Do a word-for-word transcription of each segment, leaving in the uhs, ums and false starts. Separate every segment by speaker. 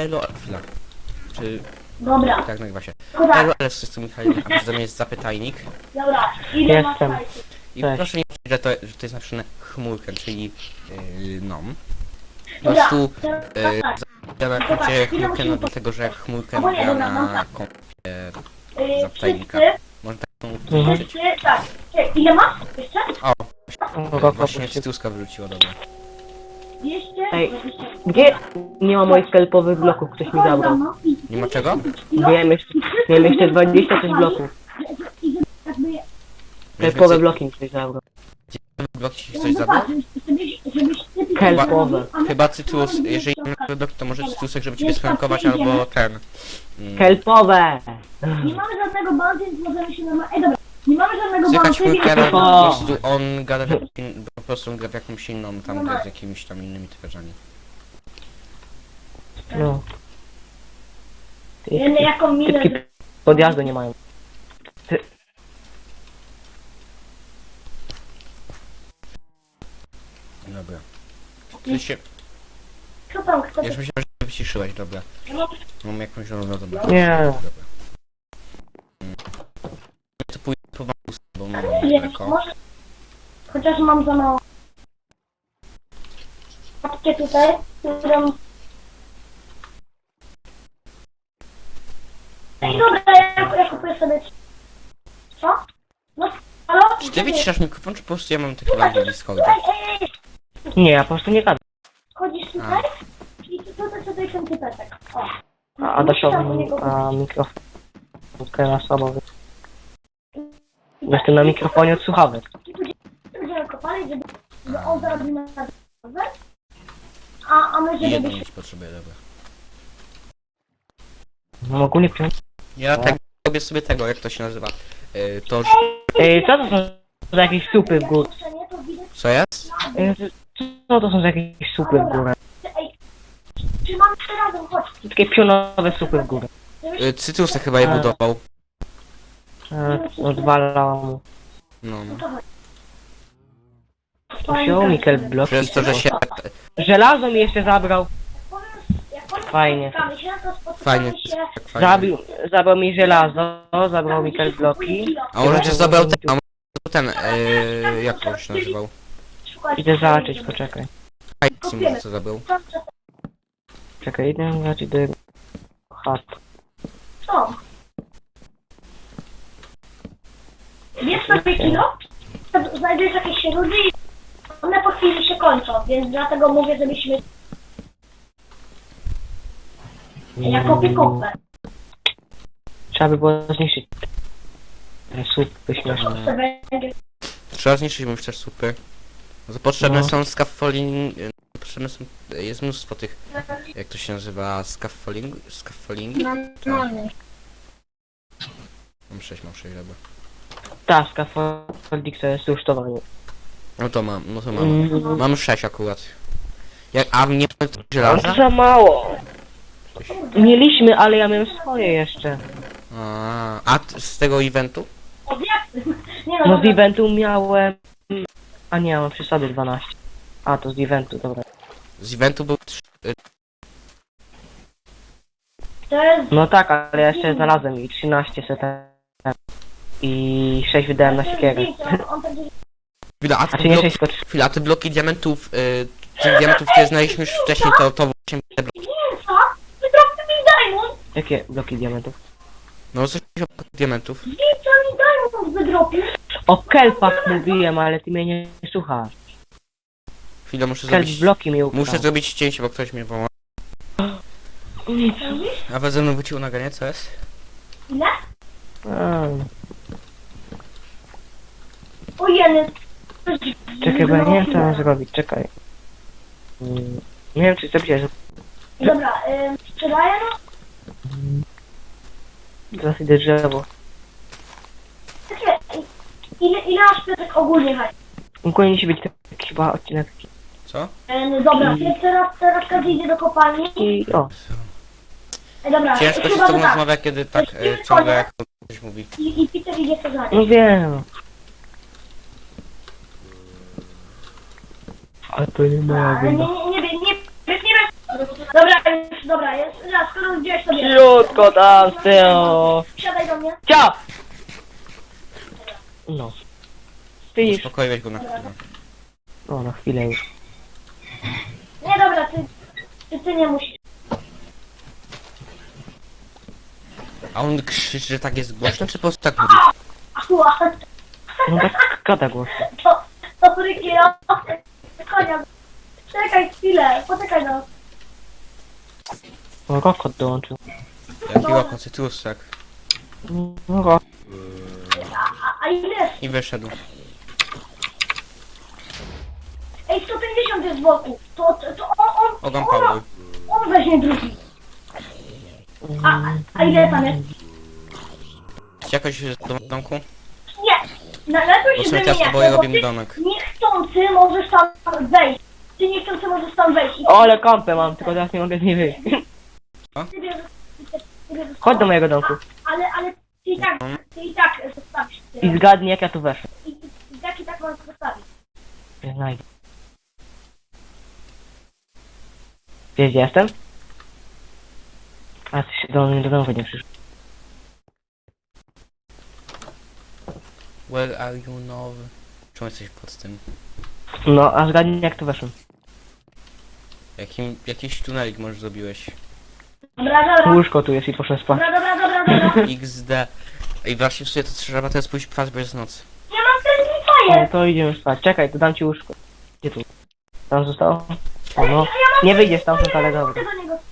Speaker 1: Elo, chwila. Czy...
Speaker 2: Dobra.
Speaker 1: Tak, nagrywa się.
Speaker 2: Dobra.
Speaker 1: Elo, ale z tym Michałem, a przede mnie jest zapytajnik.
Speaker 2: Dobra. Ile masz
Speaker 3: Jestem.
Speaker 2: hajsu?
Speaker 1: I
Speaker 3: Cześć.
Speaker 1: proszę nie mówić, że to, że to jest napisane chmurkę, czyli yy, no. Po
Speaker 2: Dobra.
Speaker 1: prostu
Speaker 2: teraz
Speaker 1: yy,
Speaker 2: tak.
Speaker 1: ja na
Speaker 2: Zobacz,
Speaker 1: koncie
Speaker 2: ile
Speaker 1: chmurkę,
Speaker 2: musimy
Speaker 1: no
Speaker 2: po-
Speaker 1: dlatego, że chmurkę
Speaker 2: Albo nie,
Speaker 1: gra
Speaker 2: dobra, mam
Speaker 1: na
Speaker 2: tak.
Speaker 1: kompie
Speaker 2: Yy,
Speaker 1: zapytajnika.
Speaker 2: wszyscy,
Speaker 1: Można tak
Speaker 3: Mhm.
Speaker 1: użyć.
Speaker 2: wszyscy, tak. Czekaj, ile masz? Jeszcze?
Speaker 1: O,
Speaker 3: O, go,
Speaker 1: właśnie
Speaker 3: go,
Speaker 1: Cytuska wyrzuciło, dobra.
Speaker 2: Jeszcze?
Speaker 3: Ej. Gdzie nie ma moich kelpowych bloków? Ktoś mi zabrał.
Speaker 1: Nie ma czego?
Speaker 3: Miałem jeszcze, miałem jeszcze dwadzieścia coś bloków.
Speaker 2: Jakby...
Speaker 3: Kelpowe bloki mi ktoś zabrał.
Speaker 1: Blok ci coś zabrał?
Speaker 3: Kelpowe.
Speaker 1: Chyba Cytus, jeżeli nie ma blok, to może Cytusek, żeby ciebie sprankować, albo ten. Mm,
Speaker 3: Kelpowe!
Speaker 2: Nie mamy żadnego bandy, więc możemy się normalnie... Ej, dobra. Nie mamy żadnego
Speaker 1: Słychać
Speaker 2: bandy,
Speaker 1: chmurkę, ale
Speaker 2: więc...
Speaker 1: po prostu on gada w jakim- po prostu on gra w jakąś inną, tam gra z jakimiś tam innymi typarzami.
Speaker 3: No.
Speaker 2: Wiemy jaką minę...
Speaker 3: Typki podjazdu nie mają.
Speaker 1: Dobra. Ty się...
Speaker 2: Co tam, kto...
Speaker 1: Ja już myślałem, że wyciszyłeś, dobra. Mam jakąś równo, dobra.
Speaker 3: Nie.
Speaker 1: Dobra. Mm. To pójdę po wam, bo mam
Speaker 2: Nie,
Speaker 1: daleko.
Speaker 2: może... Chociaż mam za mało... Patrzcie tutaj, którą... Ej, dobra, ja, ja kupuję sobie... Co? No, halo?
Speaker 1: Czy ty wyciszasz mikrofon, czy po prostu ja mam takie lagi w Discordzie?
Speaker 2: Ej, ej, ej,
Speaker 3: Nie, ja po prostu nie gadam.
Speaker 2: chodzisz tutaj? I tu- tutaj sobie ten typeczek. O.
Speaker 3: A Adasiowi a mikrofon. Krasowy. Jestem na mikrofonie od słuchawek.
Speaker 2: I tu będziemy kopali, żeby, żeby on zarobił na nazwę. A, a my
Speaker 1: I
Speaker 2: żeby
Speaker 1: jedną
Speaker 2: się...
Speaker 1: mieć potrzebuję, dobra.
Speaker 3: No ogólnie przyjąć.
Speaker 1: Ja tak robię sobie tego, jak to się nazywa. Yy, to, że...
Speaker 3: Ej, co to są za jakieś supy w górę?
Speaker 2: Nie, to widać...
Speaker 1: Co jest?
Speaker 3: Ej, Co to są za jakieś supy w górę?
Speaker 2: Ej, trzymamy się razem, chodź.
Speaker 3: Takie pionowe supy w górę.
Speaker 1: Yy, Cytusek chyba je
Speaker 3: A.
Speaker 1: budował.
Speaker 3: E, Odwalał mu.
Speaker 1: No, no.
Speaker 2: To chodź.
Speaker 3: To wziął Mikel bloki.
Speaker 1: Przez to, że się...
Speaker 3: Żelazo mi jeszcze zabrał.
Speaker 2: Jak powiem,
Speaker 3: Fajnie.
Speaker 2: spotkamy się, to spotkamy
Speaker 1: Fajnie,
Speaker 2: się...
Speaker 1: tak fajnie.
Speaker 3: Zabił, zabrał mi żelazo, zabrał Mikel bloki.
Speaker 1: A może cię zabrał ten... A może ten... Yy, jak on się nazywał?
Speaker 3: Idę zobaczyć, poczekaj.
Speaker 1: Hajs może co zabrał.
Speaker 3: Czekaj, idę zobaczyć do jego chat.
Speaker 2: Co? Wiesz sobie kilo? Znajdujesz jakieś rudy i one po chwili się kończą, więc dlatego mówię, żebyśmy jako piekopę.
Speaker 3: Trzeba by było zniszczyć te supy śmieszne.
Speaker 1: Trzeba zniszczyć mu też supy. No to potrzebne
Speaker 3: No.
Speaker 1: są scaffolding... yy, Potrzebne są... Jest mnóstwo tych... Jak to się nazywa? Scaffolding? Scaffolding?
Speaker 2: Normalny.
Speaker 1: Mam sześć, mam sześć, dobra.
Speaker 3: Ta, scaffolding to jest rusztowanie.
Speaker 1: No to mam, no to mam.
Speaker 3: Mm.
Speaker 1: Mam sześć akurat. Jak, a nie mam
Speaker 3: Ale
Speaker 1: żelaza?
Speaker 3: to za mało. Mieliśmy, ale ja miałem swoje jeszcze.
Speaker 1: A, a t- z tego eventu?
Speaker 2: O, jak? Nie no,
Speaker 3: No z
Speaker 2: dobra.
Speaker 3: eventu miałem... A nie, mam przesady dwanaście. A, to z eventu, dobra.
Speaker 1: Z eventu był trzy...
Speaker 2: To jest...
Speaker 3: No tak, ale ja jeszcze znalazłem i trzynaście setem. I sześć wydałem na siekierę.
Speaker 2: On będzie...
Speaker 1: Chwila, a
Speaker 3: A
Speaker 1: te
Speaker 3: czy nie
Speaker 1: bloki,
Speaker 3: sześć, tylko trzy.
Speaker 1: chwila, a te bloki diamentów, y, tych diamentów, które znaleźliśmy już wcześniej, to, to właśnie te bloki.
Speaker 2: Nie, co? Wydropty mi diamond!
Speaker 3: Jakie bloki diamentów?
Speaker 1: No coś o diamentów.
Speaker 2: Wiecie, mi diamond wydropił.
Speaker 3: O kelpach mówiłem, ale ty mnie nie słuchasz.
Speaker 1: Chwilę, muszę
Speaker 3: Kelp
Speaker 1: zrobić...
Speaker 3: bloki mi ukradł.
Speaker 1: Muszę zrobić cięcie, bo ktoś mnie woła.
Speaker 3: Nic.
Speaker 1: A we ze mną wyciął nagranie, co jest?
Speaker 2: Ile?
Speaker 3: A,
Speaker 2: O jeden.
Speaker 3: czekaj, bo ja nie wiem co mam zrobić, czekaj. Mm, Nie wiem czy zrobić,
Speaker 2: Dobra, ym, sprzedaję no?
Speaker 3: zaraz idę drzewo.
Speaker 2: Takie, ile, ile masz piotrek ogólnie hajs?
Speaker 3: Powinien się być taki chyba odcinek
Speaker 1: Co?
Speaker 2: Ym, dobra, ty teraz, teraz każdy idzie do kopalni.
Speaker 3: i o.
Speaker 2: Ej, dobra,
Speaker 1: Ciężko się z
Speaker 2: chyba
Speaker 1: tobą
Speaker 2: tak.
Speaker 1: rozmawia, kiedy tak y, ciągle jak ktoś mówi.
Speaker 2: I, I Peter idzie co za
Speaker 3: No wiem. Ale to nie moja
Speaker 2: Ale nie,
Speaker 3: wina.
Speaker 2: nie, nie, nie, nie, nie, nie, Dobra, już, dobra, jest. Raz, skoro gdzieś sobie.
Speaker 3: Ciutko tam z tyłu.
Speaker 2: Siadaj do mnie.
Speaker 3: Cia! No. Widzisz?
Speaker 1: Uspokoiłeś go na chwilę.
Speaker 3: O, na chwilę już.
Speaker 2: Nie, dobra, ty, ty, ty nie musisz.
Speaker 1: A on krzyczy, że tak jest głośno, czy po prostu tak mówi?
Speaker 2: Ała,
Speaker 3: No tak gada głośno.
Speaker 2: to, to fryki, no. Konia. Czekaj chwilę, poczekaj no.
Speaker 3: O, Rokot dołączył.
Speaker 1: Jaki łako cytrusek.
Speaker 3: No, ro.
Speaker 2: A, a ile jest?
Speaker 1: I wyszedł.
Speaker 2: Ej, sto pięćdziesiąt jest z boku. To, to, to on, on,
Speaker 1: Ogam
Speaker 2: on,
Speaker 1: Paweł.
Speaker 2: on weźmie drugi. A, a ile tam jest?
Speaker 1: Jakoś do domku?
Speaker 2: Nie. Nalepiej
Speaker 1: Bo
Speaker 2: się
Speaker 1: sobie teraz
Speaker 2: wymieniać,
Speaker 1: oboje
Speaker 2: bo
Speaker 1: robimy
Speaker 2: ty
Speaker 1: domek.
Speaker 2: niechcący możesz tam wejść. Ty niechcący możesz tam wejść. I
Speaker 3: O, ale kampę mam, tylko teraz nie mogę z niej wyjść.
Speaker 2: ty bierzesz, ty, ty bierzesz
Speaker 3: Chodź do mojego domku.
Speaker 2: Ale, ale ty i tak, ty i tak zostawisz.
Speaker 3: I zgadnij jak ja tu weszłem.
Speaker 2: I, i, i tak i tak możesz zostawić.
Speaker 3: Nie znajdę. Wiesz gdzie jestem? A ty się do mnie do domu nie przyszedł.
Speaker 1: Where are you now? Czemu jesteś pod tym?
Speaker 3: No, a zgadnij jak tu weszłem.
Speaker 1: Jakim, jakiś tunelik może zrobiłeś?
Speaker 2: Dobra, dobra.
Speaker 3: Łóżko tu jest i poszłem spać.
Speaker 2: Dobra, dobra, dobra, dobra.
Speaker 1: X D. I właśnie w sumie to trzeba teraz pójść spać, bo jest noc.
Speaker 2: Ja mam ten
Speaker 3: No
Speaker 2: fajer.
Speaker 3: to idziemy spać. Czekaj, to dam ci łóżko. Gdzie tu? Tam zostało? O, no. Nie wyjdziesz tam, ale dobra.
Speaker 2: do niego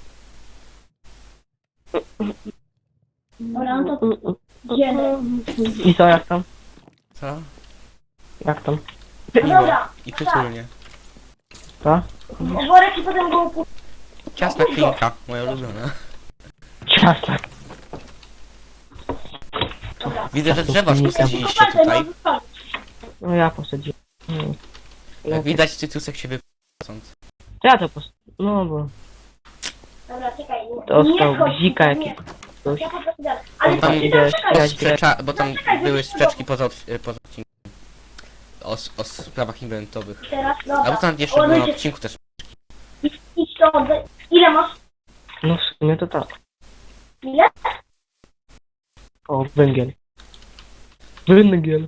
Speaker 2: Dobra, no to idziemy.
Speaker 3: I co, jak tam?
Speaker 1: Co?
Speaker 3: Jak tam?
Speaker 2: No dobra.
Speaker 1: I przytulnie.
Speaker 3: Co?
Speaker 2: Worek i potem go upu...
Speaker 1: Ciasna klinka, moja ulubiona.
Speaker 3: Ciasta.
Speaker 2: Dobra.
Speaker 1: Widzę, że drzewa
Speaker 3: Klinka.
Speaker 1: posadziliście
Speaker 2: Kopalkę,
Speaker 1: tutaj.
Speaker 2: no, zostawić.
Speaker 3: No ja posadziłem. Hmm.
Speaker 1: Jak widać, cytrusek się wypłacąc.
Speaker 3: Ja to pos... No bo...
Speaker 2: Dobra, czekaj.
Speaker 3: To
Speaker 2: nie
Speaker 3: stał
Speaker 2: wchodź,
Speaker 3: bzika
Speaker 2: nie.
Speaker 3: jakiś. Coś.
Speaker 2: Ja po prostu dalej. Ale
Speaker 1: Tam
Speaker 2: ty
Speaker 3: idę
Speaker 2: czekaj.
Speaker 3: śmiać.
Speaker 1: Sprzecza, bo tam
Speaker 2: Czekaj,
Speaker 1: były
Speaker 2: wyjdź
Speaker 1: sprzeczki poza, odc- poza odcinkiem. O, s- o sprawach inwentowych.
Speaker 2: Teraz,
Speaker 1: A bo
Speaker 2: dobra.
Speaker 1: tam jeszcze było na odcinku też.
Speaker 2: Idź, idź to, oddaj. Ile masz?
Speaker 3: No w sumie to tak.
Speaker 2: Ile?
Speaker 3: O, węgiel. Węgiel.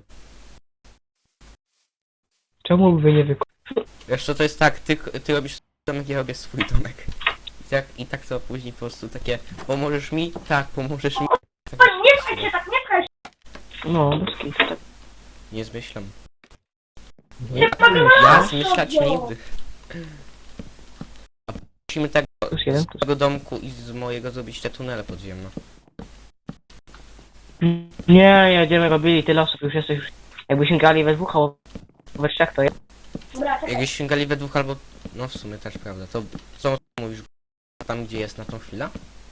Speaker 3: Czemu by nie wykonać?
Speaker 1: Wiesz co, to jest tak, ty, ty robisz domek, ja robię swój domek. I tak, i tak to później po prostu takie, pomożesz mi? Tak, pomożesz mi. Tak,
Speaker 2: Chodź, nie pchaj się tak, nie pchaj się.
Speaker 3: No, bez kitu, tak.
Speaker 1: nie zmyślam.
Speaker 2: Nie pchaj
Speaker 1: Ja zmyślać nigdy. A musimy tego,
Speaker 3: Plus jeden,
Speaker 1: z
Speaker 3: plus...
Speaker 1: tego domku i z mojego zrobić te tunele podziemne.
Speaker 3: Nie, jedziemy robili, tyle osób już jesteś już... Jakbyśmy grali we dwóch, albo we trzech to jest.
Speaker 2: Dobra, czekaj.
Speaker 1: Jakbyś sięgali we dwóch albo... No w sumie też prawda, to co mówisz tam gdzie jest na tą chwilę?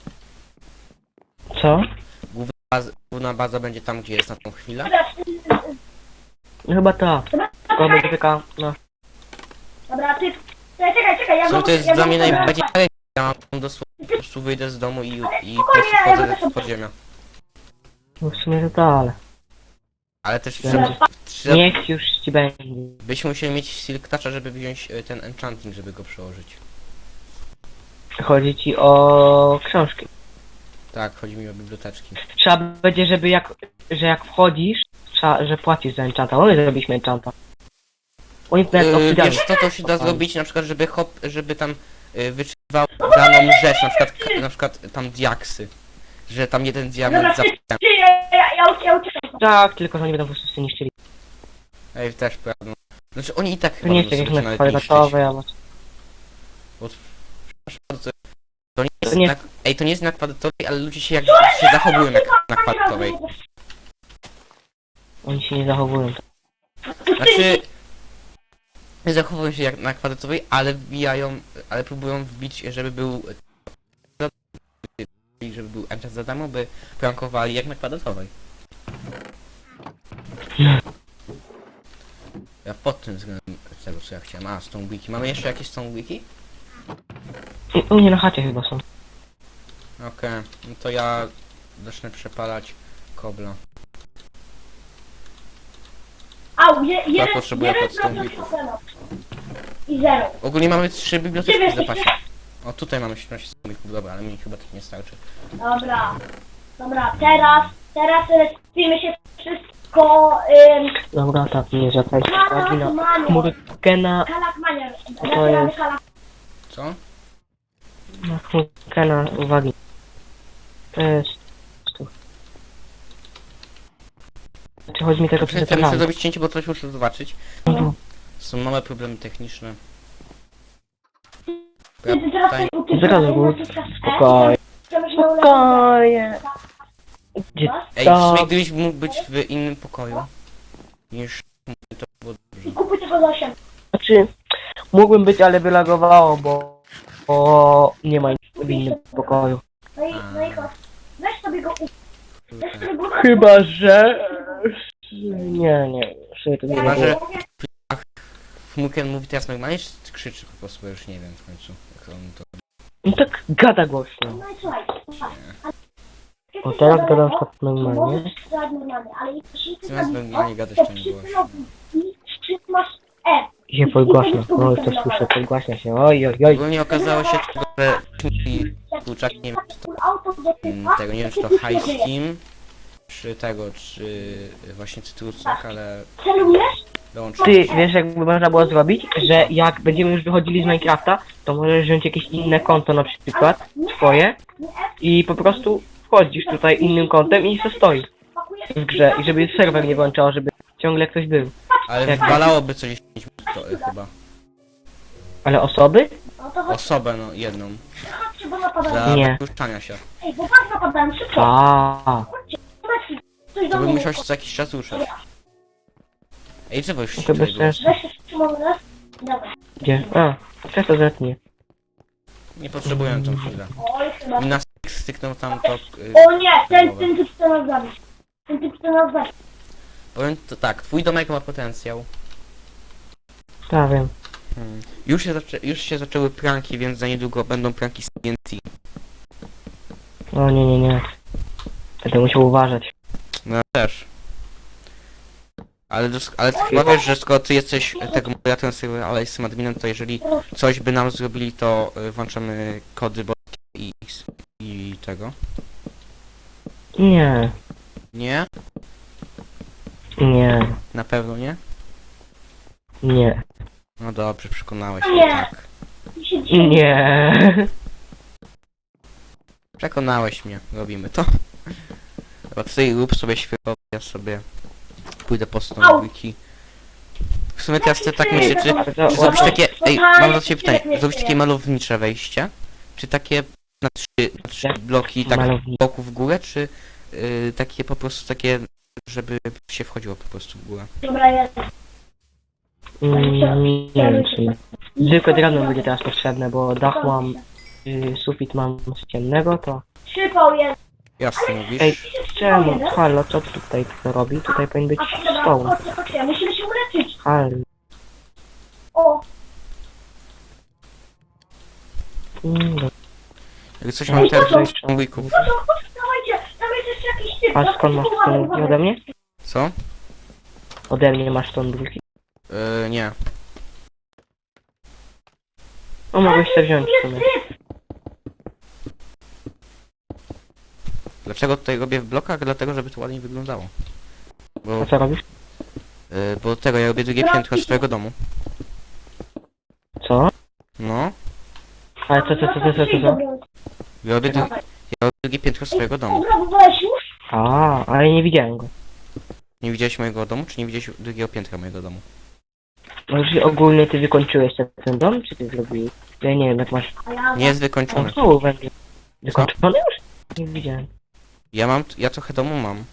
Speaker 3: Co?
Speaker 1: Baz, główna baza będzie tam gdzie jest na tą chwilę?
Speaker 2: Dobra, y, y,
Speaker 3: No chyba tak.
Speaker 2: dobra,
Speaker 3: Tylko będzie
Speaker 2: czekaj.
Speaker 3: taka, no...
Speaker 2: Dobra, ty... Czekaj, czekaj, czekaj, ja
Speaker 1: Co
Speaker 2: go-
Speaker 1: to jest
Speaker 2: ja
Speaker 1: dla
Speaker 2: go-
Speaker 1: mnie
Speaker 2: dobra,
Speaker 1: najbardziej
Speaker 2: patrz.
Speaker 1: dalej. Ja mam dosłownie po prostu wyjdę z domu i, i po
Speaker 2: spokojnie,
Speaker 1: prostu
Speaker 2: ja
Speaker 1: wchodzę
Speaker 2: będę
Speaker 1: w podziemia.
Speaker 3: No w sumie to tak, ale...
Speaker 1: Ale też
Speaker 3: Dobra,
Speaker 1: trzeba, trzeba,
Speaker 3: Niech już ci będzie.
Speaker 1: byśmy musieli mieć Silk Toucha, żeby wziąć e, ten enchanting, żeby go przełożyć.
Speaker 3: Chodzi ci o książki.
Speaker 1: Tak, chodzi mi o biblioteczki.
Speaker 3: Trzeba będzie, żeby jak... Że jak wchodzisz, trzeba, że płacisz za enchanta. Oni zrobiliśmy enchanta. Oni nawet
Speaker 1: Yy,
Speaker 3: obsydiany.
Speaker 1: wiesz co to się da zrobić, na przykład żeby hop, żeby tam yy, wyczytywał daną rzecz, na przykład, ka- na przykład tam diaksy. Że tam jeden
Speaker 2: Dobra,
Speaker 1: diament za...
Speaker 2: ty, ty, ja, ja, ja, ja uciekam.
Speaker 3: Tak, tylko że oni będą po prostu sobie niszczyli.
Speaker 1: Ej, też prawda. Znaczy oni i tak
Speaker 3: To
Speaker 1: chyba
Speaker 3: nie
Speaker 1: będą
Speaker 3: jest tak
Speaker 1: sobie
Speaker 3: jak na
Speaker 1: nawet niszczyć.
Speaker 3: kwadratowe, albo...
Speaker 1: Bo... To, to nie jest
Speaker 3: To nie-
Speaker 1: na... Ej, to nie jest na kwadratowej, ale ludzie się jak się zachowują jak na kwadratowej.
Speaker 3: Oni się nie zachowują.
Speaker 1: Znaczy... Zachowują się jak na kwadratowej, ale wbijają, ale próbują wbić, żeby był... żeby był enchant za darmo, by prankowali jak na kwadratowej. Ja pod tym względem tego co ja chciałem. A, Stone Wiki. Mamy jeszcze jakieś Stone Wiki?
Speaker 3: U mnie na chacie chyba są.
Speaker 1: Okej, no to ja zacznę przepalać kobla.
Speaker 2: Au, je, jeden,
Speaker 1: potrzebuję
Speaker 2: jeden
Speaker 1: pod stąd
Speaker 2: procent
Speaker 1: bików.
Speaker 2: problemu. I zero.
Speaker 1: Ogólnie mamy trzy biblioteki w zapasie. O, tutaj mamy siedemnaście słomików, dobra, ale mi chyba tak nie starczy.
Speaker 2: Dobra. Dobra, teraz, teraz y, skupimy się wszystko, ym,
Speaker 3: Dobra, tak, nie zwracajcie uwagi na
Speaker 2: Kalakmania.
Speaker 3: chmurkę na...
Speaker 2: Kalakmania.
Speaker 3: To jest-
Speaker 2: Kalak...
Speaker 1: Co?
Speaker 3: na chmurkę na uwagi. To jest... tu. Czy chodzi mi tylko
Speaker 1: Muszę,
Speaker 3: przez
Speaker 1: muszę
Speaker 3: te
Speaker 1: zrobić cięcie, bo coś muszę zobaczyć.
Speaker 3: Mhm.
Speaker 1: Są małe problemy techniczne.
Speaker 2: Ty, ty teraz
Speaker 1: Tutaj-
Speaker 2: tutaj
Speaker 3: Zaraz, bo- Spokojnie. Spokojnie. Gdzie
Speaker 1: Ej, w
Speaker 3: to?
Speaker 1: sumie gdybyś mógł być w innym pokoju niż to było dobrze.
Speaker 2: I kupuj tego za osiem.
Speaker 3: Znaczy, mógłbym być, ale wylagowało, bo... Bo nie ma nic w innym pokoju.
Speaker 2: No i, no i chodź. Weź sobie go u... Weź sobie go
Speaker 3: Chyba, że... Nie, nie, sobie to nie
Speaker 1: Chyba, że-
Speaker 3: było.
Speaker 1: Muken mówi teraz normalnie, czy krzyczy po prostu, bo już nie wiem w końcu. Jak on to...
Speaker 3: No tak gada głośno.
Speaker 2: No i słuchaj. słuchaj. Ale-
Speaker 3: O, teraz gadam tak normalnie.
Speaker 2: Możesz strzelać normalnie, ale jeśli ty
Speaker 1: Zamiast
Speaker 2: tam-
Speaker 1: normalnie gadać,
Speaker 2: to
Speaker 1: to nie
Speaker 2: przy
Speaker 1: głośno.
Speaker 2: tym I trzymasz E.
Speaker 3: I się podgłaśnia. O, już to słyszę, podgłaśnia się. Oj, oj, oj.
Speaker 1: Ogólnie okazało się, że i kurczak, nie wiem,
Speaker 2: Auto do
Speaker 1: mm,
Speaker 2: typa,
Speaker 1: tego, nie wiem, czy to High Steam, czy tego, czy właśnie cytrusek, ale
Speaker 2: celujesz?
Speaker 1: dołączył.
Speaker 3: Ty, wiesz jakby można było zrobić? Że jak będziemy już wychodzili z Minecrafta, to możesz wziąć jakieś inne konto na przykład, swoje, i po prostu wchodzisz tutaj innym kontem i se stoi w grze. I żeby serwer nie włączał, żeby ciągle ktoś był.
Speaker 1: Ale
Speaker 3: Jak-
Speaker 1: wywalałoby co dziesięć minut to, y, chyba.
Speaker 3: Ale osoby?
Speaker 2: No to chodź,
Speaker 1: Osobę, no, jedną.
Speaker 2: chodźcie, bo napadają.
Speaker 1: Za
Speaker 3: Nie.
Speaker 1: wypuszczania się.
Speaker 2: Ej, bo was napadają, szybko.
Speaker 3: A,
Speaker 2: Chodźcie, chodźcie. Coś do
Speaker 1: To bym
Speaker 2: mnie.
Speaker 1: musiał się co jakiś czas ruszać. Ej, drzewo już się
Speaker 3: to bez
Speaker 1: tutaj było.
Speaker 3: sensu.
Speaker 2: Weź się Szymon raz. Dobra.
Speaker 3: Gdzie? A, teraz to zetnie.
Speaker 1: Nie potrzebuję tą chwilę.
Speaker 2: Oj, chyba.
Speaker 1: Mi nas styknął tam to... y,
Speaker 2: O nie, ten, ten typ chce nas zabić. Ten typ chce nas zabić.
Speaker 1: Powiem to tak, twój domek ma potencjał.
Speaker 3: Tak, wiem.
Speaker 1: Hmm. Już, się zaczę już się zaczęły pranki, więc za niedługo będą pranki z T N T.
Speaker 3: O nie, nie, nie. Będę musiał uważać.
Speaker 1: No ja też. Ale, dos- ale ty chyba wiesz, że skoro ty jesteś e, tego moderatorem serwera, ale jestem adminem, to jeżeli coś by nam zrobili, to y, włączamy kody bo i X i tego.
Speaker 3: Nie,
Speaker 1: Nie?
Speaker 3: nie,
Speaker 1: Na pewno nie?
Speaker 3: nie.
Speaker 1: No dobrze, przekonałeś
Speaker 2: Nie.
Speaker 1: mnie, tak.
Speaker 2: I się dzieje.
Speaker 3: Nie.
Speaker 1: Przekonałeś mnie, robimy to. Dobra, ty rób sobie świetło, ja sobie pójdę po stronę wiki. W sumie teraz ty tak myślę, czy, czy zrobić takie... Ej, mam do ciebie pytanie, zrobić takie malownicze wejście? Czy takie na trzy, na trzy bloki, tak
Speaker 3: Malownicze.
Speaker 1: boku w górę, czy y, takie po prostu takie, żeby się wchodziło po prostu w górę?
Speaker 2: Dobra, jest.
Speaker 3: Mm, nie wiem, czy... Zwykłe drewno będzie teraz potrzebne, bo dach mam, y, sufit mam z ciemnego, to...
Speaker 2: Przypał jest.
Speaker 1: Jasno mówisz?
Speaker 3: Ej, czemu? Halo, co tu tutaj to robi? Tutaj powinien być
Speaker 2: A dobra,
Speaker 3: stoł.
Speaker 2: chodźcie, chodźcie, musimy się uleczyć.
Speaker 3: Halo.
Speaker 2: O,
Speaker 3: Mm,
Speaker 1: Jak coś mam teraz
Speaker 2: Ej,
Speaker 1: sandwików.
Speaker 2: no to chodź, dawajcie, tam jest jeszcze jakiś typ.
Speaker 3: a skąd masz stąd drugi ode mnie?
Speaker 1: Co?
Speaker 3: Ode mnie masz stąd drugi.
Speaker 1: Yy, nie.
Speaker 3: No mogłeś sobie wziąć w
Speaker 2: Jest
Speaker 3: sumie.
Speaker 2: typ.
Speaker 1: Dlaczego tutaj robię w blokach? Dlatego, żeby to ładnie wyglądało. Bo,
Speaker 3: A co robisz?
Speaker 1: yy, bo tego, ja robię drugie piętro swojego domu.
Speaker 3: Co?
Speaker 1: No.
Speaker 3: Ale co, co, co, co, co, co, co?
Speaker 1: Ja robię, dru ja robię drugie piętro swojego domu.
Speaker 2: Obrabowałeś już?
Speaker 3: A, ale nie widziałem go.
Speaker 1: Nie widziałeś mojego domu, czy nie widziałeś drugiego piętra mojego domu?
Speaker 3: No już ogólnie ty wykończyłeś ten, ten dom, czy ty zrobiłeś? Ja nie wiem, jak masz...
Speaker 2: A ja...
Speaker 1: Nie jest
Speaker 3: O,
Speaker 1: wykończony.
Speaker 3: znowu węgiel. Wykończony już? Nie widziałem.
Speaker 1: Ja mam, ja trochę domu mam.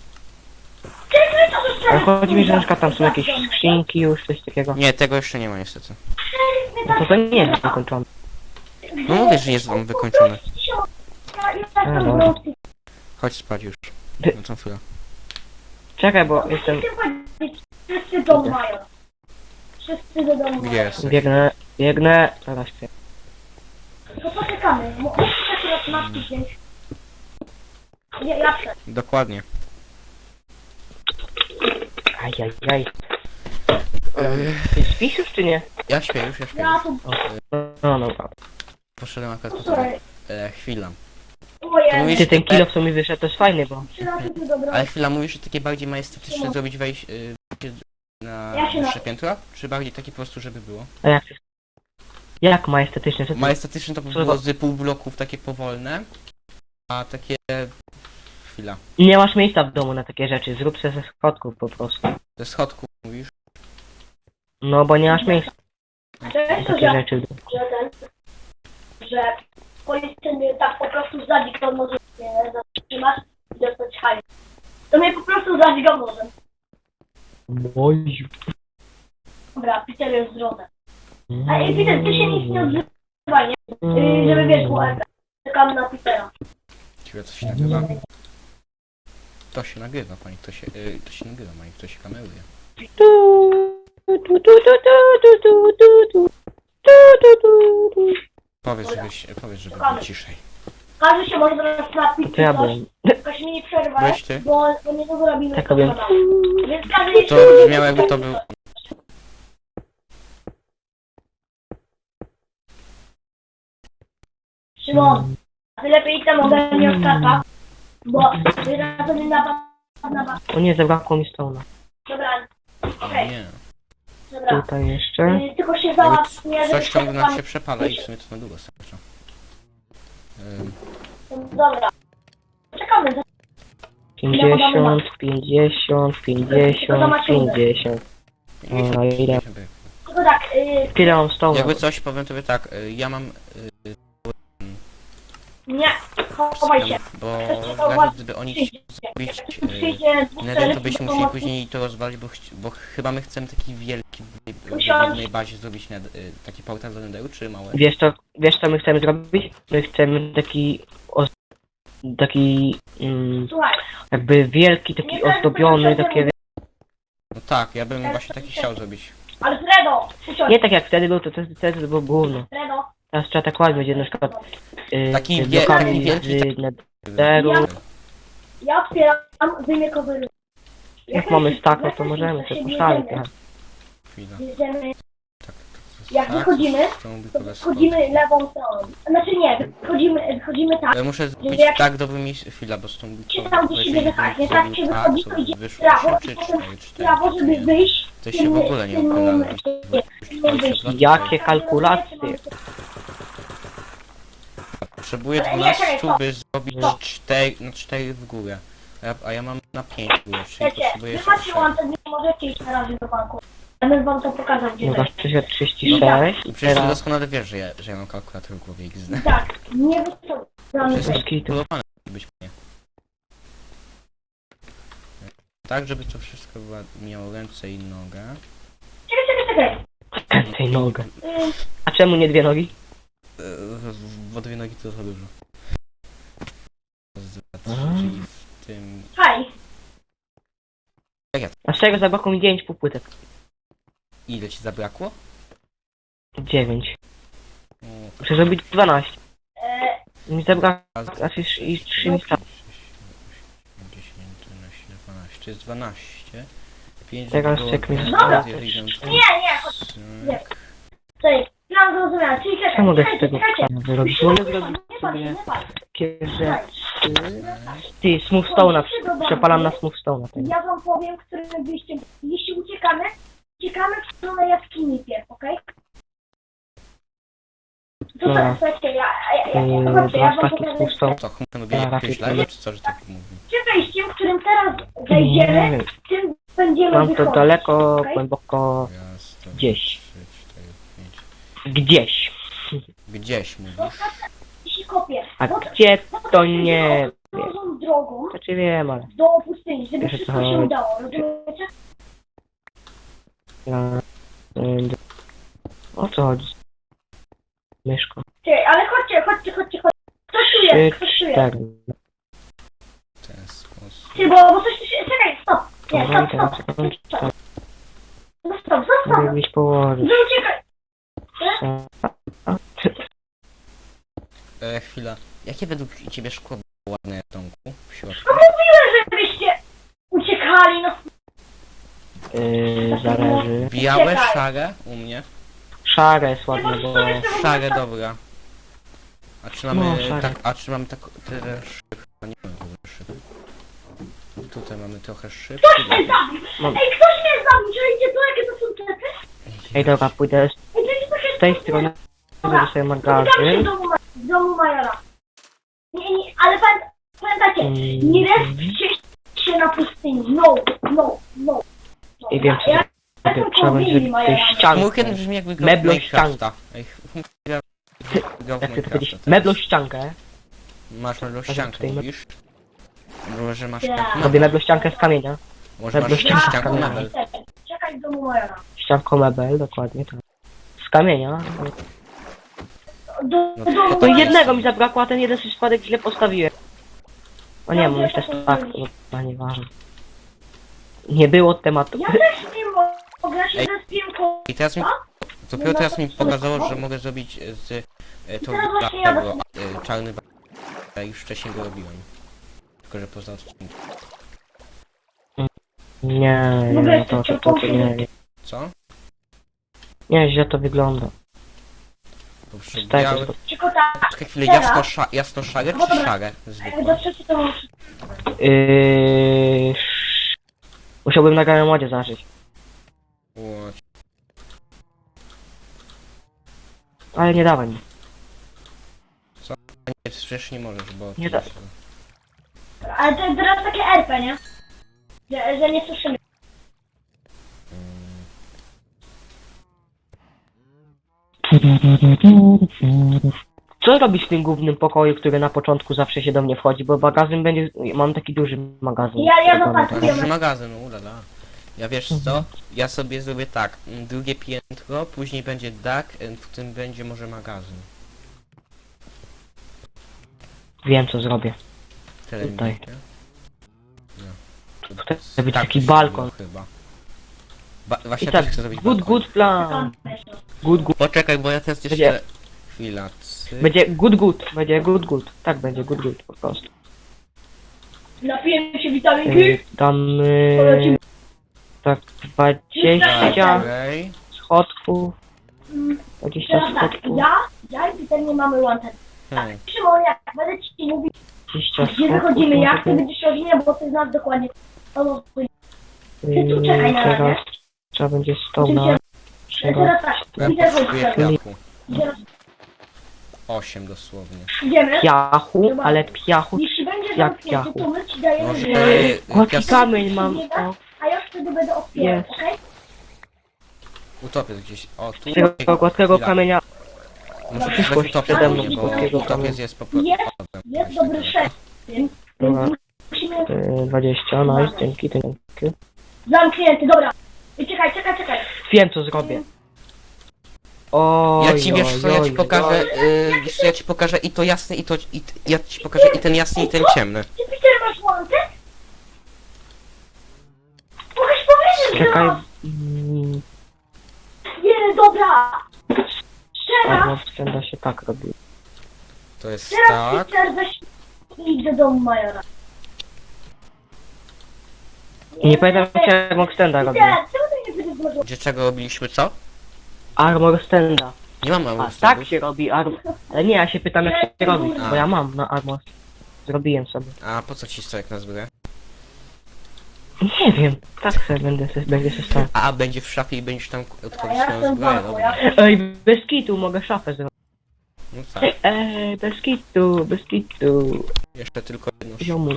Speaker 3: Ale chodzi mi, że na przykład tam są jakieś skrzynki już, coś takiego.
Speaker 1: Nie, tego jeszcze nie ma niestety.
Speaker 3: No to to nie jest wykończone.
Speaker 1: No mówię, że nie jest wam wykończony.
Speaker 2: Ja, ja
Speaker 3: A,
Speaker 2: tam
Speaker 3: dobra.
Speaker 2: wrócę.
Speaker 1: Chodź spać już.
Speaker 3: Ty-
Speaker 1: Na tą chwilę.
Speaker 3: Czekaj, bo jestem...
Speaker 2: Chcę powiedzieć, Wszyscy dom mają. Wszyscy do domu
Speaker 1: Gdzie
Speaker 2: mają.
Speaker 1: jesteś?
Speaker 3: Biegnę, biegnę... Zaraz śpię.
Speaker 2: To poczekamy. Mo- Musisz akurat matki wziąć. Nie, ja przed.
Speaker 1: Dokładnie.
Speaker 3: Ajajaj.
Speaker 1: Yy,
Speaker 3: Ty śpisz już, czy nie?
Speaker 1: ja śpię już, ja śpię
Speaker 2: Ja
Speaker 1: już.
Speaker 2: tu...
Speaker 3: No, no, no.
Speaker 1: poszedłem akurat po
Speaker 2: Słuchaj.
Speaker 1: e, chwila.
Speaker 2: Ojej,
Speaker 1: mówisz-
Speaker 3: Ty, ten kilo w sumie wyszedł, to jest fajny, bo...
Speaker 2: trzy razy tu dobro.
Speaker 1: Ale chwila, mówisz, że takie bardziej majestatyczne zrobić wejść y, na
Speaker 2: Ja się na-
Speaker 1: wyższe piętro? Czy bardziej takie po prostu, żeby było?
Speaker 3: A jak to jest? Jak majestatyczne? Co ty?
Speaker 1: Majestatyczne to by
Speaker 3: Co
Speaker 1: było
Speaker 3: za-
Speaker 1: z pół bloków takie powolne, a takie... Chwila.
Speaker 3: Nie masz miejsca w domu na takie rzeczy, zrób sobie ze schodków po prostu.
Speaker 1: Ze schodków mówisz?
Speaker 3: No bo nie masz miejsca
Speaker 2: To jest
Speaker 3: na
Speaker 2: to,
Speaker 3: takie
Speaker 2: że,
Speaker 3: rzeczy.
Speaker 2: że ten, że policja tak po prostu zadźgał może mnie zatrzymać i dostać hajs. To mnie po prostu zadźgał nożem.
Speaker 3: Oj.
Speaker 2: Dobra, Peter jest w drodze. A ej, Peter, ty się nic nie odzywaj, nie? Yy, żeby wiesz, bo czekam na Petera.
Speaker 1: Ciekawe, co się nagrywa? To się nagrywa, pani, to się... Y, to się nagrywa, pani, to się kameruje. Powiedz, żebyś... Powiedz, żeby było ciszej.
Speaker 2: Każdy się może teraz napić,
Speaker 3: To ja
Speaker 2: coś,
Speaker 3: byłem.
Speaker 2: jakoś mnie nie przerwaj,
Speaker 1: Weź ty.
Speaker 2: bo, bo nie to zrobimy.
Speaker 3: Tak
Speaker 2: to
Speaker 3: robię.
Speaker 2: sama. Więc każdy nie
Speaker 1: To
Speaker 2: przerwaj,
Speaker 1: brzmiało, jakby to był...
Speaker 2: Szymon, a ty lepiej idź tam ode mnie od tata, bo ty na to nie napad na was.
Speaker 3: O nie, zabrakło mi stona.
Speaker 2: Dobra, okej,
Speaker 1: Nie.
Speaker 2: dobra.
Speaker 3: Tutaj jeszcze.
Speaker 2: Yy, tylko się
Speaker 1: Jakby
Speaker 2: załatw, nie,
Speaker 1: c-
Speaker 2: żeby
Speaker 1: coś ciągle nam
Speaker 2: pan-
Speaker 1: się przepala i w sumie to na długo starcza. Ym,
Speaker 2: Dobra. Czekamy, za-
Speaker 3: pięćdziesiąt, pięćdziesiąt, pięćdziesiąt, pięćdziesiąt. No i ile?
Speaker 2: tylko tak, yy,
Speaker 3: Tyle mam stona.
Speaker 1: Jakby coś, powiem tobie tak, y, ja mam... y,
Speaker 2: nie, chowaj się.
Speaker 1: Bo
Speaker 2: czekał,
Speaker 1: nawet gdyby oni
Speaker 2: Przyjdzie,
Speaker 1: zrobić
Speaker 2: jak przyjdzie dwóch
Speaker 1: Nether, to
Speaker 2: celów,
Speaker 1: byśmy
Speaker 2: to
Speaker 1: musieli
Speaker 2: pomocy-
Speaker 1: później to rozwalić, bo, chci- bo chyba my chcemy taki wielki w
Speaker 2: Usiądź.
Speaker 1: jednej bazie zrobić net, y, taki portal do Netheru, czy małe?
Speaker 3: Wiesz co, wiesz co my chcemy zrobić? My chcemy taki... Oz... Taki... Mm,
Speaker 2: Słuchaj,
Speaker 3: jakby wielki, taki ozdobiony, takie...
Speaker 1: No tak, ja bym właśnie taki chciał zrobić.
Speaker 2: ale Fredo, usiądź,
Speaker 3: Nie tak jak wtedy był, to wtedy, wtedy to było gówno.
Speaker 2: Fredo.
Speaker 3: Teraz trzeba tak ładnie będzie na przykład... Yy,
Speaker 1: Taki
Speaker 3: z
Speaker 1: wie-
Speaker 3: blokami
Speaker 1: taki wielki,
Speaker 3: z
Speaker 1: taki-
Speaker 3: Netheru.
Speaker 2: Ja otwieram, wyjmę covery.
Speaker 3: Jak mamy stako, to możemy sobie poszaleć trochę.
Speaker 1: Chwila.
Speaker 2: Bierzemy,
Speaker 1: Tak, tak, tak,
Speaker 2: jak
Speaker 1: tak,
Speaker 2: wychodzimy,
Speaker 1: to mówi
Speaker 2: to
Speaker 1: po raz
Speaker 2: wchodzimy lewą stroną. Znaczy nie, wychodzimy, wychodzimy tak,
Speaker 1: Ale muszę zrobić
Speaker 2: jak-
Speaker 1: tak dobrymi... Chwila, bo z tą
Speaker 2: się tam gdzieś siebie wychać, nie tak się wychodzi, to idzie w
Speaker 1: wyszło
Speaker 2: prawo
Speaker 1: trzy,
Speaker 2: i potem
Speaker 1: cztery,
Speaker 2: w
Speaker 1: cztery,
Speaker 2: prawo, żeby
Speaker 1: cztery.
Speaker 2: wyjść.
Speaker 1: To się w ogóle nie
Speaker 2: tym-
Speaker 1: opalało.
Speaker 2: tym-
Speaker 3: Jakie kalkulacje?
Speaker 1: Potrzebuję
Speaker 2: Ale nie, czekaj,
Speaker 1: dwanaście,
Speaker 2: stop.
Speaker 1: by zrobić
Speaker 3: No.
Speaker 1: cztery, no cztery w górę. A ja, a ja mam na pięć w górę, czyli
Speaker 2: Wiecie,
Speaker 1: potrzebuję
Speaker 2: wy
Speaker 1: jeszcze
Speaker 2: macie
Speaker 1: trzy.
Speaker 2: łącze, nie możecie iść na razie do banku. Ja bym wam to pokazał, gdzie
Speaker 3: No
Speaker 2: to
Speaker 3: masz trzydzieści sześć i
Speaker 1: Przecież ty
Speaker 3: teraz...
Speaker 1: doskonale wiesz, że ja, że ja mam kalkulator w głowie X D.
Speaker 2: Tak, nie wyciągamy.
Speaker 1: Wszystko
Speaker 3: Bez kitu.
Speaker 1: budowane być nie. Tak, żeby to wszystko była, miało ręce i nogę.
Speaker 2: Czekaj, czekaj, czekaj.
Speaker 3: Tej nogę.
Speaker 2: Yy,
Speaker 3: A czemu nie dwie nogi?
Speaker 1: Eee, Bo dwie nogi to za dużo. Raz, dwa, trzy,
Speaker 3: A.
Speaker 1: czyli w tym...
Speaker 2: haj.
Speaker 3: A z czego zabrakło mi dziewięć półpłytek?
Speaker 1: Ile ci zabrakło?
Speaker 3: dziewięć.
Speaker 1: O,
Speaker 3: Muszę zrobić dwanaście.
Speaker 2: Yy,
Speaker 3: Mi zabrakło
Speaker 1: raz,
Speaker 3: aż już i trzy mi
Speaker 1: sześć, dziesięć, jedenaście, dwanaście. To jest dwanaście. pięć
Speaker 3: Teraz
Speaker 1: było
Speaker 3: czek mi
Speaker 1: dwa,
Speaker 2: Dobra.
Speaker 1: dwie, jeden,
Speaker 2: nie, nie, chodź, nie. Czekaj, plan zrozumiałem, czyli czekaj,
Speaker 3: Co mogę z
Speaker 2: czekajcie,
Speaker 3: tego
Speaker 2: czekajcie.
Speaker 3: zrobić? Mogę zrobić
Speaker 2: Nie pal,
Speaker 3: sobie
Speaker 2: nie pal.
Speaker 3: takie rzeczy... Ty, smoothstone'a, przepalam na smoothstone'a. tego.
Speaker 2: Ja wam powiem, którym wyjściem, jeśli uciekamy, uciekamy w stronę jaskini pierw, okej? To
Speaker 3: Dobra.
Speaker 2: tak, słuchajcie, ja, ja, ja,
Speaker 3: Yy,
Speaker 2: ja, zobaczcie, ja
Speaker 3: masz
Speaker 2: wam
Speaker 3: taki
Speaker 2: pokażę,
Speaker 3: smoothstone?
Speaker 1: Co, chmurę lubię
Speaker 3: Dobra,
Speaker 1: jakieś
Speaker 3: tutaj.
Speaker 1: live, czy co, że tak mówi?
Speaker 2: przy wejściem, którym teraz
Speaker 3: Nie
Speaker 2: wejdziemy,
Speaker 3: wiem,
Speaker 2: tym będziemy
Speaker 3: mam to
Speaker 2: wychodzić,
Speaker 3: daleko,
Speaker 2: okej?
Speaker 3: głęboko...
Speaker 1: Raz, dwa,
Speaker 3: Gdzieś.
Speaker 1: trzy, cztery, pięć.
Speaker 3: Gdzieś.
Speaker 1: Gdzieś mówisz?
Speaker 2: I się kopię.
Speaker 3: A
Speaker 2: No
Speaker 3: gdzie to nie wiem.
Speaker 2: Drogą, drogą
Speaker 3: Znaczy wiem, ale...
Speaker 2: do pustyni, żeby
Speaker 3: Wiesz, o co
Speaker 2: wszystko się
Speaker 3: chodzi.
Speaker 2: udało, rozumiecie?
Speaker 3: Ja... y, O co chodzi? Myszko.
Speaker 2: Czekaj, ale chodźcie, chodźcie, chodźcie, chodźcie. Ktoś tu
Speaker 3: Trzy,
Speaker 2: jest, ktoś tu jest.
Speaker 3: cztery.
Speaker 1: W ten sposób.
Speaker 2: Ty, bo, bo coś tu się... Czekaj, stop. Nie,
Speaker 3: Dobra, i
Speaker 2: stop,
Speaker 3: teraz
Speaker 2: stop,
Speaker 3: kończę.
Speaker 2: stop, stop. No stop, stop,
Speaker 3: Mogę
Speaker 2: stop.
Speaker 3: gdzieś położyć.
Speaker 2: No uciekaj.
Speaker 1: E, chwila. Jakie według ciebie szkło było ładne w domku? W środku?
Speaker 2: No mówiłem, żebyście uciekali, no.
Speaker 3: Yy, zależy.
Speaker 1: Białe,
Speaker 2: Czekaj.
Speaker 1: szare? U mnie.
Speaker 3: Szare jest ładne, bo...
Speaker 1: Szare, dobra. A czy mamy
Speaker 3: No, szary.
Speaker 1: tak, a czy mamy tak tyle szyb? A nie mamy tyle szyb. Tutaj mamy trochę szyb.
Speaker 2: Ktoś mnie zabił!
Speaker 3: Mam-
Speaker 2: Ej, ktoś mnie zabił! Czujecie to, jakie to są trepy?
Speaker 3: Ej, dobra, pójdę z
Speaker 2: Ej, to jest takie...
Speaker 3: tej strony, zrobię sobie
Speaker 2: Spotykamy
Speaker 3: magazyn.
Speaker 2: się w domu, Ma- w domu Majora. Nie, nie, ale pamię- pamiętajcie,
Speaker 3: Mm.
Speaker 2: nie respcie się na pustyni. No, no, no. no.
Speaker 3: I wiem, co
Speaker 2: Ja
Speaker 3: zrobię.
Speaker 2: jestem
Speaker 3: Trzeba będzie
Speaker 2: koło willi
Speaker 3: zrobić tej
Speaker 2: Majora.
Speaker 3: ściankę.
Speaker 1: Chmurken brzmi jakby grał w
Speaker 3: Meblo
Speaker 1: Minecrafta. Ej, Chmurken grał grał w
Speaker 3: Jak ty to powiedzieć?
Speaker 1: Minecrafta.
Speaker 3: Meblo ściankę.
Speaker 1: Masz meblo
Speaker 3: tutaj
Speaker 1: ściankę,
Speaker 3: me-
Speaker 1: mówisz? Może masz
Speaker 2: Tak.
Speaker 1: tak
Speaker 3: Robię meblo ściankę z kamienia.
Speaker 1: Może masz
Speaker 3: meblo ściankę.
Speaker 1: ściankę mebel.
Speaker 2: Czekaj w domu Majora.
Speaker 3: Ścianką mebel, dokładnie tak. Z kamienia.
Speaker 2: Do,
Speaker 1: No
Speaker 2: do
Speaker 1: to
Speaker 2: domu
Speaker 3: To
Speaker 1: tak
Speaker 3: jednego
Speaker 1: jest.
Speaker 3: mi zabrakło, a ten jeden przypadek źle postawiłem. O nie, mam jeszcze tak, no nieważne. Nie było tematu.
Speaker 2: Ja też nie mogę, ja się
Speaker 1: Ej.
Speaker 2: zespiłem koło...
Speaker 1: I teraz mi... Dopiero teraz mi pokazało, że mogę zrobić z e, to
Speaker 2: Teraz właśnie ja
Speaker 1: tego e, czarny ba... Ja już wcześniej go robiłem. Tylko że poza odcinkiem.
Speaker 3: Nie, nie,
Speaker 2: Mogę
Speaker 3: no to, to,
Speaker 2: jeszcze
Speaker 3: to, to nie, nie.
Speaker 1: Co?
Speaker 3: Nie, źle to wygląda.
Speaker 1: Po prostu
Speaker 3: Tak,
Speaker 1: biały...
Speaker 3: to-
Speaker 2: Tylko tak,
Speaker 1: Czekaj chwilę,
Speaker 2: Teraz?
Speaker 1: jasno, sza... jasno szare
Speaker 2: No
Speaker 1: czy
Speaker 2: dobra.
Speaker 1: szare?
Speaker 2: do
Speaker 1: Zwykłe.
Speaker 2: trzeciej to mam...
Speaker 3: Yy... Musiałbym na grałem modzie zażyć.
Speaker 1: Ło-
Speaker 3: Ale nie dawaj mi.
Speaker 1: Nie, przecież nie możesz, bo...
Speaker 3: Nie
Speaker 1: to
Speaker 3: da-
Speaker 1: jest-
Speaker 2: Ale to jest teraz takie R P, nie? Że, że nie słyszymy.
Speaker 1: Mm,
Speaker 3: Co robisz w tym głównym pokoju, który na początku zawsze się do mnie wchodzi? Bo magazyn będzie... Mam taki duży magazyn.
Speaker 2: Ja- ja
Speaker 3: Zrobiony.
Speaker 2: zapasuję.
Speaker 1: To jest magazyn, ulala. Ja wiesz co? Ja sobie zrobię tak, mm, drugie piętro, później będzie dach, e, w którym będzie może magazyn.
Speaker 3: Wiem co zrobię.
Speaker 1: Telewizor.
Speaker 3: Tutaj będzie
Speaker 1: Tak,
Speaker 3: taki
Speaker 1: to się
Speaker 3: balkon.
Speaker 1: zrobiło chyba. Ba właśnie
Speaker 3: I
Speaker 1: ja
Speaker 3: tak,
Speaker 1: też chcę zrobić
Speaker 3: good,
Speaker 1: balkon.
Speaker 3: good plan. Good, good.
Speaker 1: Poczekaj, bo ja teraz jeszcze...
Speaker 3: Będzie-
Speaker 1: Chwila, cyk.
Speaker 3: Będzie good, good. Będzie good, good. Tak będzie, good, good po prostu.
Speaker 2: Napijemy się witaminki.
Speaker 3: Yy, Damy...
Speaker 2: Polecimy.
Speaker 3: Tak, dwadzieścia
Speaker 1: Okej.
Speaker 3: schodków.
Speaker 2: Mm,
Speaker 3: dwadzieścia
Speaker 2: Teraz tak,
Speaker 3: schodków.
Speaker 2: ja, ja i Peter nie mamy łączeń.
Speaker 1: Hmm.
Speaker 2: Szymon, jak będę ci mówić,
Speaker 3: dwadzieścia
Speaker 2: gdzie
Speaker 3: schodków.
Speaker 2: wychodzimy, jak ty będziesz rodzinie, bo ty znasz dokładnie. O, ty tu czekaj na razie.
Speaker 3: Teraz trzeba będzie stoł na...
Speaker 2: Oczywiście, teraz tak,
Speaker 1: Ja
Speaker 2: Peter
Speaker 1: potrzebuję
Speaker 2: chodzi.
Speaker 1: piachu.
Speaker 2: Teraz
Speaker 1: Osiem dosłownie.
Speaker 2: idziemy.
Speaker 3: Piachu, ale piachu...
Speaker 2: Jeśli będzie
Speaker 3: Jak
Speaker 2: zamknięty,
Speaker 3: piachu?
Speaker 2: to my ci dajemy
Speaker 1: Może...
Speaker 2: dwie,
Speaker 1: e,
Speaker 3: Gładki
Speaker 1: pias...
Speaker 3: kamień mam. O,
Speaker 2: a ja wtedy będę otwierał,
Speaker 3: Jest.
Speaker 2: okej?
Speaker 1: Utopiec gdzieś. O, tu...
Speaker 3: tego gładkiego
Speaker 1: Chwila.
Speaker 3: kamienia.
Speaker 1: Muszę
Speaker 3: przyszłość
Speaker 1: utopiec,
Speaker 3: przede mną,
Speaker 1: bo
Speaker 3: gładkiego
Speaker 1: utopiec
Speaker 3: kamienia.
Speaker 1: jest po prostu...
Speaker 2: Jest,
Speaker 1: odem.
Speaker 2: Jest dobry szef, więc
Speaker 3: Dobra.
Speaker 2: więc musimy...
Speaker 3: Yy, dwadzieścia, nice, dzięki, dzięki.
Speaker 2: Zamknięty, dobra. I czekaj, czekaj, czekaj.
Speaker 3: Wiem co zrobię. O,
Speaker 1: Ja ci wiesz co, ja ci pokażę, yy, wiesz co, ja ci pokażę i to jasne i to, i, t- ja ci pokażę i ten jasny i ten ciemny.
Speaker 2: Ty, Peter, masz łączek? Mogłeś powiedzieć, że
Speaker 3: Czekaj.
Speaker 2: masz.
Speaker 3: Mm,
Speaker 2: Nie, dobra. Teraz,
Speaker 3: albo wstęda się tak robi.
Speaker 1: To jest
Speaker 2: teraz
Speaker 1: tak.
Speaker 2: Peter weź i idź do domu Majora.
Speaker 3: I nie pamiętam jak armor standa robię.
Speaker 2: Peter, czemu ty nie będziesz może...
Speaker 1: Gdzie czego robiliśmy co?
Speaker 3: Armor standa.
Speaker 1: Nie mam mały
Speaker 3: A tak się robi armor. Ale nie, ja się pytam jak się robi,
Speaker 1: A.
Speaker 3: bo ja mam na armor. Zrobiłem sobie.
Speaker 1: A po co ci stojak na zbroję?
Speaker 3: Nie wiem, tak sobie będę se, będzie się stał.
Speaker 1: A, będzie w szafie i będziesz tam
Speaker 2: Ja
Speaker 1: odchodzić swoją
Speaker 2: jestem
Speaker 1: zbroję,
Speaker 2: banku,
Speaker 1: dobra.
Speaker 2: ja...
Speaker 3: Ej, bez kitu mogę szafę zrobić.
Speaker 1: No tak,
Speaker 3: Ej, bez kitu, bez kitu.
Speaker 1: jeszcze tylko jedno sz-
Speaker 3: Ziomuś,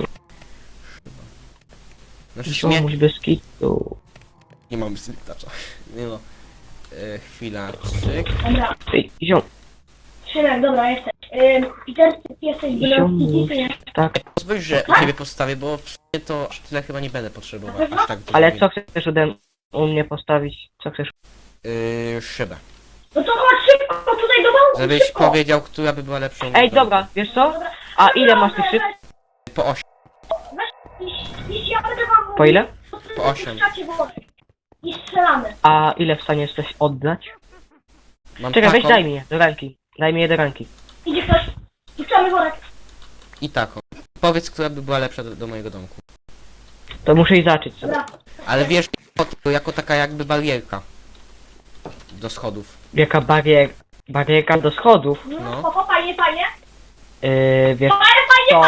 Speaker 1: Znaczy w sumie
Speaker 3: ziomuś bez kitu.
Speaker 1: nie mam sliptacza. Nie no. E, chwila, cyk.
Speaker 2: Dobra,
Speaker 3: Ej, ziom,
Speaker 2: Szymek, dobra, jesteś. Ym, Peter, ty jesteś
Speaker 3: Ziomuś.
Speaker 2: bielorski,
Speaker 3: tak.
Speaker 1: Pozwól, że ciebie postawię, bo w sumie to aż tyle chyba nie będę potrzebował. Aż tak dużo
Speaker 3: Ale
Speaker 1: nie-
Speaker 3: co chcesz ode u mnie postawić? Co chcesz?
Speaker 1: Yy, szybę.
Speaker 2: No to chodź szybko tutaj do domu,
Speaker 1: Żebyś
Speaker 2: szybko.
Speaker 1: powiedział, która by była lepszą.
Speaker 3: Ej,
Speaker 1: metodą.
Speaker 3: dobra, wiesz co? A ile masz tych szyb?
Speaker 1: Po osiem.
Speaker 2: Jeśli ja będę wam
Speaker 3: Po ile?
Speaker 1: Po osiem.
Speaker 2: I strzelamy.
Speaker 3: A ile w stanie jesteś oddać?
Speaker 1: Mam
Speaker 3: Czekaj, weź
Speaker 1: taką
Speaker 3: daj mi je do ręki. Daj mi je do ręki.
Speaker 2: Idzie ktoś. Puszczamy worek.
Speaker 1: i taką. Powiedz, która by była lepsza do, do mojego domku.
Speaker 3: To muszę i zacząć sobie.
Speaker 2: Dobra.
Speaker 1: Ale wiesz, jako, jako taka jakby barierka. Do schodów.
Speaker 3: Jaka barier... barierka do schodów?
Speaker 1: No.
Speaker 2: No, fajnie, fajnie.
Speaker 3: Yy, wiesz co?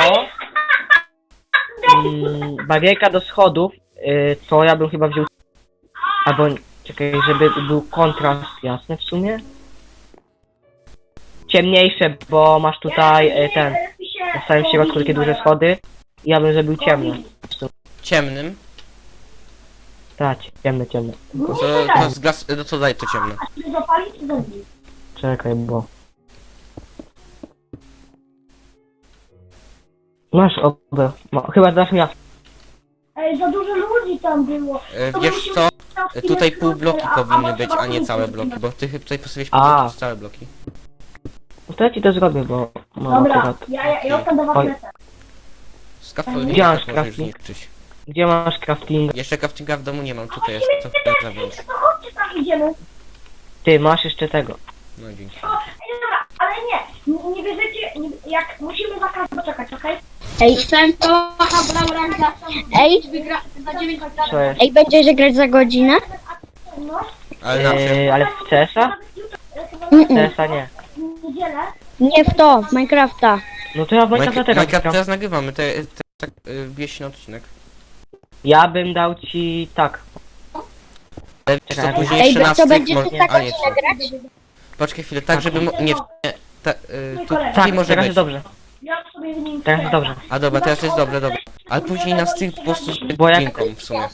Speaker 3: Mm, barierka do schodów, yy, to ja bym chyba wziął... Albo, czekaj, żeby był kontrast jasny w sumie. Ciemniejsze, bo masz tutaj yy, ten, na samym środku takie duże schody. Ja bym zrobił ciemne.
Speaker 1: Ciemnym.
Speaker 3: Tak, ciemne, ciemne.
Speaker 1: To, to z glas... No co daj to ciemne?
Speaker 2: A czy zapalić, czy zabić?
Speaker 3: Czekaj, bo... Masz obę. Ma, chyba dasz mi jasne.
Speaker 2: Ej, za dużo ludzi tam było.
Speaker 1: E,
Speaker 2: To
Speaker 1: wiesz
Speaker 2: musimy
Speaker 1: co?
Speaker 2: na
Speaker 1: E,
Speaker 2: chwilę
Speaker 1: Tutaj pół bloki
Speaker 2: a- a
Speaker 1: powinny
Speaker 2: może
Speaker 1: być,
Speaker 2: na
Speaker 1: a nie
Speaker 2: końcu
Speaker 1: całe
Speaker 2: zrobimy.
Speaker 1: bloki, bo ty tutaj postawiłeś
Speaker 3: A.
Speaker 1: po całe bloki.
Speaker 3: No to ja ci to zrobię, bo mam
Speaker 2: Dobra,
Speaker 3: akurat...
Speaker 2: ja, ja, ja tam do was
Speaker 3: Oj.
Speaker 2: lecę.
Speaker 1: Scaffolding
Speaker 3: Gdzie masz
Speaker 1: tak możesz
Speaker 3: crafting?
Speaker 1: zniszczyć.
Speaker 3: Gdzie masz crafting?
Speaker 1: Jeszcze craftinga w domu nie mam, tutaj jest co chwilę na zewnątrz.
Speaker 2: To chodźcie tam idziemy.
Speaker 3: Ty, masz jeszcze tego.
Speaker 1: No dzięki.
Speaker 2: O, ej, dobra, ale nie, nie, nie wierzycie, nie, jak musimy za każdym poczekać, okej?
Speaker 4: Ej, ej,
Speaker 3: Co jest?
Speaker 4: ej, będziesz grać za godzinę?
Speaker 2: No,
Speaker 1: Ale na czym?
Speaker 3: Yy, ale w C S a? W
Speaker 4: Mm-mm.
Speaker 3: C S a nie.
Speaker 2: w niedzielę.
Speaker 4: Nie w to, w Minecrafta.
Speaker 3: No to ja w Minecrafta
Speaker 1: Minecraft
Speaker 3: teraz
Speaker 1: Minecraft
Speaker 3: gram.
Speaker 1: teraz nagrywamy, te, te, tak y, wbije się na odcinek.
Speaker 3: Ja bym dał ci... tak.
Speaker 1: Ale wiesz
Speaker 3: Czekaj,
Speaker 1: co, później
Speaker 4: Ej,
Speaker 1: jeszcze na
Speaker 4: to
Speaker 1: styk
Speaker 4: będziesz
Speaker 1: może...
Speaker 4: ty za
Speaker 1: A nie,
Speaker 4: godzinę
Speaker 1: co?
Speaker 4: grać?
Speaker 1: Poczekaj chwilę, tak żeby... Mo... Nie, nie ta, y, tu,
Speaker 3: Tak,
Speaker 1: tutaj może
Speaker 3: teraz
Speaker 1: być.
Speaker 3: jest dobrze.
Speaker 2: Ja sobie w nim
Speaker 3: Teraz jest dobrze.
Speaker 1: A dobra, teraz jest dobre, dobra. Ale później na styk po prostu
Speaker 3: Bo jak-
Speaker 1: dźwiękom w sumie.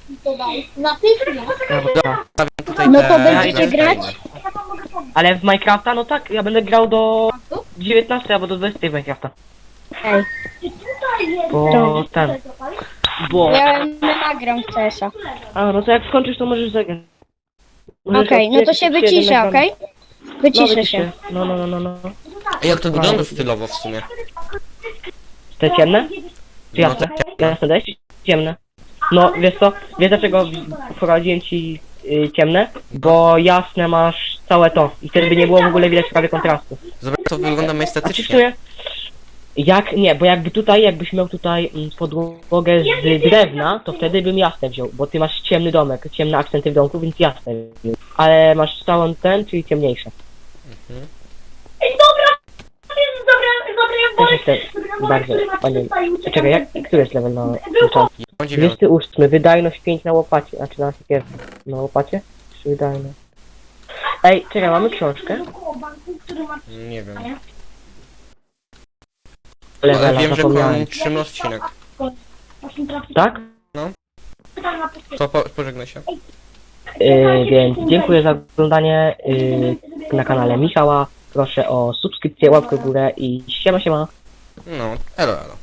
Speaker 3: Dobra.
Speaker 1: Stawiam tutaj
Speaker 4: No
Speaker 1: te...
Speaker 4: to będziecie
Speaker 1: te-
Speaker 4: grać?
Speaker 2: Ja wam mogę pomóc.
Speaker 3: Ale w Minecrafta, no tak, ja będę grał do dziewiętnastej albo do dwudziestej w Minecrafta.
Speaker 4: Ej,
Speaker 2: Czy tutaj jest...
Speaker 3: Bo ten...
Speaker 2: Tutaj zapalić?
Speaker 3: Bo...
Speaker 4: ja nie nagram w C S a.
Speaker 3: A, no to jak skończysz, to możesz zagrać. Możesz
Speaker 4: Okej, no to
Speaker 3: odkryć
Speaker 4: się
Speaker 3: jeden
Speaker 4: wyciszę,
Speaker 3: ekran.
Speaker 4: okej?
Speaker 3: No,
Speaker 4: Wyciszę
Speaker 3: wycisz
Speaker 4: się.
Speaker 3: No, no, no, no, no.
Speaker 1: Ej, jak to wygląda stylowo w sumie?
Speaker 3: Te ciemne? Czy
Speaker 1: No
Speaker 3: jasne? Jasne dajesz czy ciemne? No, wiesz co? Wiesz dlaczego wprowadziłem ci y, ciemne? Bo jasne masz całe to. I wtedy by nie było w ogóle widać prawie kontrastu.
Speaker 1: Zobacz, to wygląda
Speaker 3: A czy w
Speaker 1: estetycznie.
Speaker 3: sumie... Jak, nie, bo jakby tutaj, jakbyś miał tutaj mm, podłogę z drewna, to wtedy bym jasne wziął, bo ty masz ciemny domek, ciemne akcenty w domku, więc jasne wziął. Ale masz całą ten, czyli ciemniejsze.
Speaker 1: Mhm.
Speaker 2: Ej, dobra! To jest dobre, dobre, ja
Speaker 3: Też
Speaker 2: wolę.
Speaker 3: jestem bardzo, panie...
Speaker 2: Czekaj,
Speaker 3: Czekaj, jak, który jest level na
Speaker 2: Był
Speaker 3: początku?
Speaker 1: Ja mam dziewiąty.
Speaker 3: dwudziesty ósmy, wydajność pięć na łopacie, znaczy na siekierze. Na łopacie? Czy wydajność? Ej, czekaj, mamy książkę?
Speaker 1: Nie wiem.
Speaker 3: Levela,
Speaker 1: Ale wiem, że
Speaker 3: zapomniałem.
Speaker 1: kończymy odcinek.
Speaker 3: Tak?
Speaker 1: To po, pożegnaj się.
Speaker 3: Yy, więc dziękuję za oglądanie yy, na kanale Michała. Proszę o subskrypcję, łapkę w górę i siema siema.
Speaker 1: No, elo, elo.